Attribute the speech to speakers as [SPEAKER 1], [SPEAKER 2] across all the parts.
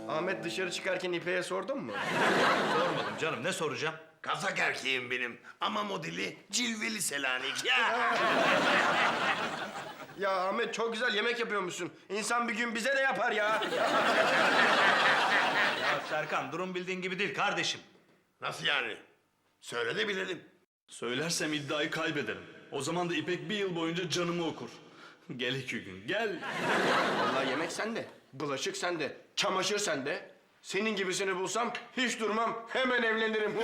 [SPEAKER 1] Ahmet dışarı çıkarken İpek'e sordun mu?
[SPEAKER 2] Sormadım canım, ne soracağım?
[SPEAKER 3] Kazak erkeğim benim ama modeli cilveli Selanik ya.
[SPEAKER 1] Ya Ahmet çok güzel yemek yapıyormuşsun. İnsan bir gün bize de yapar ya.
[SPEAKER 2] Ya Serkan, durum bildiğin gibi değil kardeşim.
[SPEAKER 3] Nasıl yani? Söyle de bilelim.
[SPEAKER 4] Söylersem iddiayı kaybederim. O zaman da İpek bir yıl boyunca canımı okur. Gel 2 gün, gel.
[SPEAKER 1] Vallahi yemek sende, bulaşık sende, çamaşır sende. Senin gibisini bulsam hiç durmam, hemen evlenirim.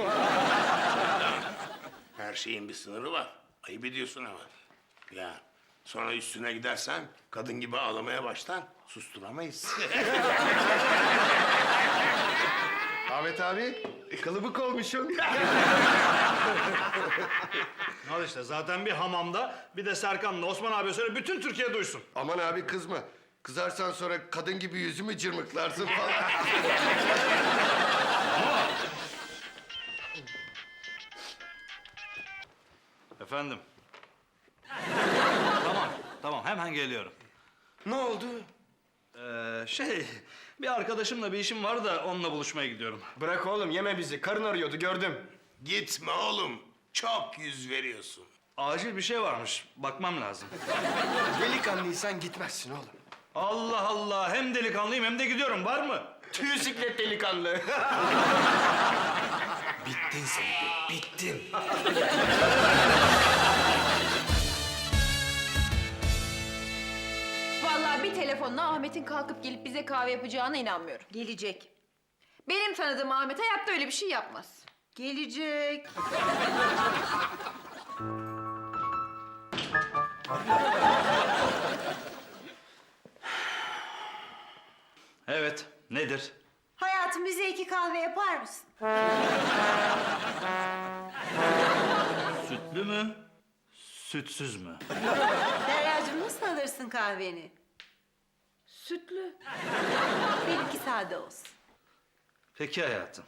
[SPEAKER 3] Her şeyin bir sınırı var. Ayıp ediyorsun ama. Ya sonra üstüne gidersen kadın gibi ağlamaya başlar. Susturamayız.
[SPEAKER 1] Ahmet abi, kılıbık olmuşsun.
[SPEAKER 2] Al işte, zaten bir hamamda, bir de Serkan'la Osman abi söyle, bütün Türkiye duysun.
[SPEAKER 5] Aman abi kızma. Kızarsan sonra kadın gibi yüzümü cırmıklarsın falan.
[SPEAKER 2] Efendim? Tamam, hemen geliyorum.
[SPEAKER 1] Ne oldu?
[SPEAKER 2] Bir arkadaşımla bir işim var da onunla buluşmaya gidiyorum.
[SPEAKER 1] Bırak oğlum, yeme bizi. Karın arıyordu, gördüm.
[SPEAKER 3] Gitme oğlum. Çok yüz veriyorsun.
[SPEAKER 2] Acil bir şey varmış, bakmam lazım.
[SPEAKER 1] Delikanlıysan gitmezsin oğlum.
[SPEAKER 2] Allah Allah, hem delikanlıyım hem de gidiyorum, var mı?
[SPEAKER 1] Tüy siklet delikanlı.
[SPEAKER 3] Bittin sen. Bittin.
[SPEAKER 6] Vallahi bir telefonla Ahmet'in kalkıp gelip bize kahve yapacağına inanmıyorum.
[SPEAKER 7] Gelecek.
[SPEAKER 6] Benim tanıdığım Ahmet hayatta öyle bir şey yapmaz.
[SPEAKER 7] Gelecek.
[SPEAKER 2] Evet, nedir?
[SPEAKER 7] Hayatım bize 2 kahve yapar mısın?
[SPEAKER 2] Sütlü mü, sütsüz mü?
[SPEAKER 7] Deryacığım nasıl alırsın kahveni?
[SPEAKER 6] Sütlü.
[SPEAKER 7] Benimki sade olsun.
[SPEAKER 2] Peki hayatım.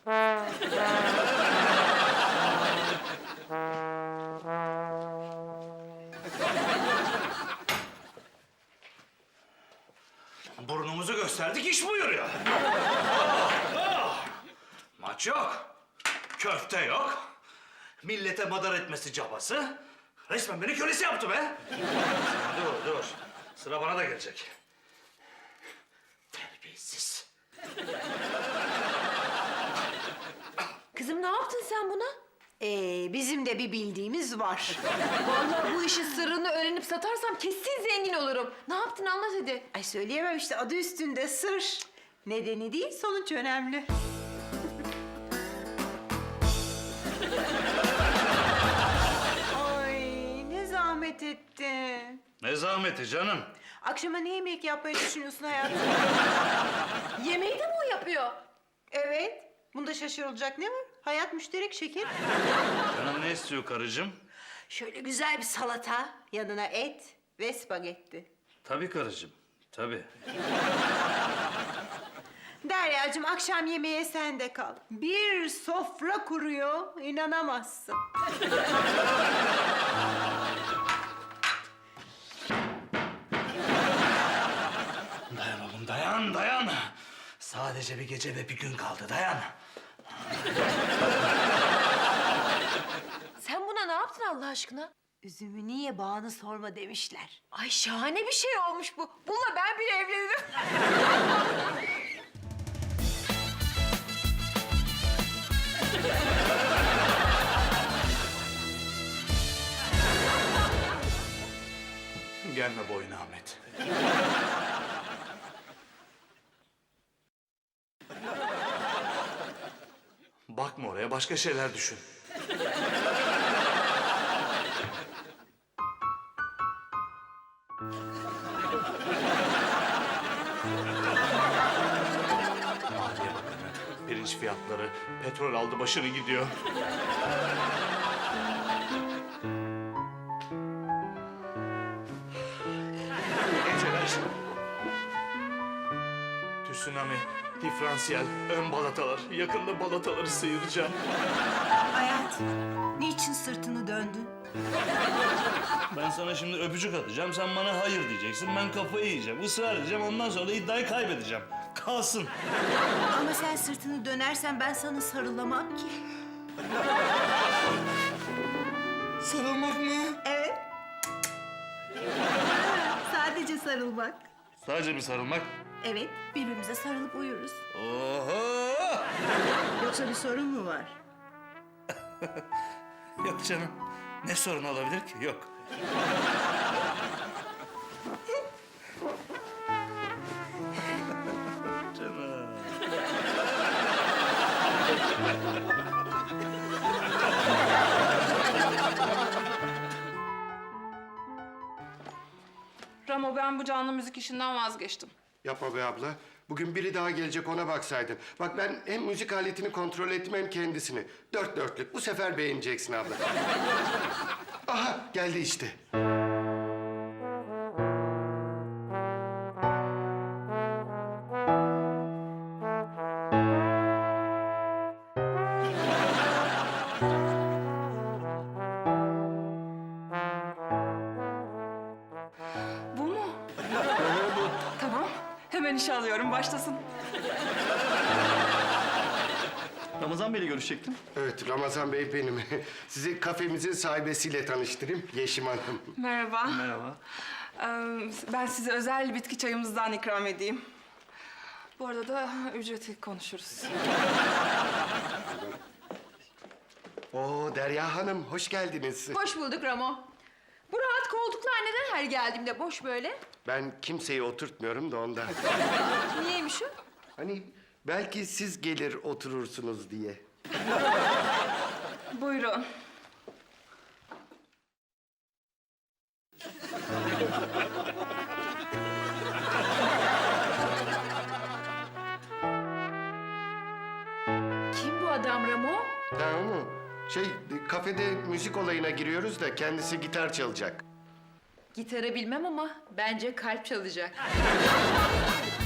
[SPEAKER 2] Burnumuzu gösterdik, iş buyuruyor. Maç yok, köfte yok, millete madar etmesi cabası. Resmen beni kölesi yaptı be. Dur, sıra bana da gelecek. Terbiyesiz.
[SPEAKER 6] Kızım ne yaptın sen buna?
[SPEAKER 7] Bizim de bir bildiğimiz var.
[SPEAKER 6] Vallahi bu işin sırrını öğrenip satarsam kesin zengin olurum. Ne yaptın anlat hadi.
[SPEAKER 7] Ay söyleyemem işte, adı üstünde sır. Nedeni değil, sonuç önemli. Ay ne zahmet ettin.
[SPEAKER 2] Ne zahmeti canım.
[SPEAKER 7] Akşama ne yemek yapmayı düşünüyorsun hayatım?
[SPEAKER 6] Yemeği de mi o yapıyor?
[SPEAKER 7] Evet. Bunda şaşırılacak ne var? Hayat müşterek şeker.
[SPEAKER 2] Canım ne istiyor karıcığım?
[SPEAKER 7] Şöyle güzel bir salata, yanına et ve spagetti.
[SPEAKER 2] Tabii karıcığım, tabii.
[SPEAKER 7] Deryacığım akşam yemeğe sen de kal. Bir sofra kuruyor, inanamazsın.
[SPEAKER 2] Dayan oğlum, dayan. Sadece bir gece ve bir gün kaldı, dayan.
[SPEAKER 6] Sen buna ne yaptın Allah aşkına?
[SPEAKER 7] Üzümü niye bağını sorma demişler.
[SPEAKER 6] Ay şahane bir şey olmuş bu. Bununla ben bile evlenirim.
[SPEAKER 2] Gelme boyuna Ahmet. Bakma oraya, başka şeyler düşün. Maliye Bakanı, pirinç fiyatları, petrol aldı başını gidiyor. Geceler. Tsunami, diferansiyel, ön balatalar. Yakında balataları sıyıracağım.
[SPEAKER 7] Hayatım, niçin sırtını döndün?
[SPEAKER 2] Ben sana şimdi öpücük atacağım, sen bana hayır diyeceksin. Ben kafayı yiyeceğim, ısrar edeceğim. Ondan sonra da iddiayı kaybedeceğim. kalsın.
[SPEAKER 7] Ama sen sırtını dönersen ben sana sarılamam ki.
[SPEAKER 2] Sarılmak mı?
[SPEAKER 7] Evet. Sadece sarılmak.
[SPEAKER 2] Sadece mi sarılmak?
[SPEAKER 7] Evet, birbirimize sarılıp uyuruz.
[SPEAKER 2] Oho!
[SPEAKER 7] Yoksa bir sorun mu var?
[SPEAKER 2] Yok canım. Ne sorun olabilir ki? Yok. Canım.
[SPEAKER 8] Ramo, ben bu canlı müzik işinden vazgeçtim.
[SPEAKER 5] Yapma be abla. Bugün biri daha gelecek, ona baksaydın. Bak ben hem müzik aletini kontrol ettim hem kendisini. Dört dörtlük. Bu sefer beğeneceksin abla. Aha geldi işte.
[SPEAKER 8] Bu mu? Tamam, hemen işe alıyorum, başlasın.
[SPEAKER 4] Ramazan Bey'le görüşecektim.
[SPEAKER 5] Evet Ramazan Bey benim. Sizi kafemizin sahibesiyle tanıştırayım. Yeşim Hanım.
[SPEAKER 8] Merhaba.
[SPEAKER 4] Merhaba.
[SPEAKER 8] Ben size özel bitki çayımızdan ikram edeyim. Bu arada da ücreti konuşuruz.
[SPEAKER 5] Oo Derya Hanım hoş geldiniz.
[SPEAKER 6] Hoş bulduk Ramo. Bu rahat koltuklar neden her geldiğimde boş böyle?
[SPEAKER 5] Ben kimseyi oturtmuyorum da ondan.
[SPEAKER 6] Niyeymiş o?
[SPEAKER 5] Hani belki siz gelir oturursunuz diye.
[SPEAKER 8] Buyurun.
[SPEAKER 6] Kim bu adam Ramo?
[SPEAKER 5] Tamam mı? Kafede müzik olayına giriyoruz da kendisi gitar çalacak.
[SPEAKER 6] Gitarı bilmem ama bence kalp çalacak.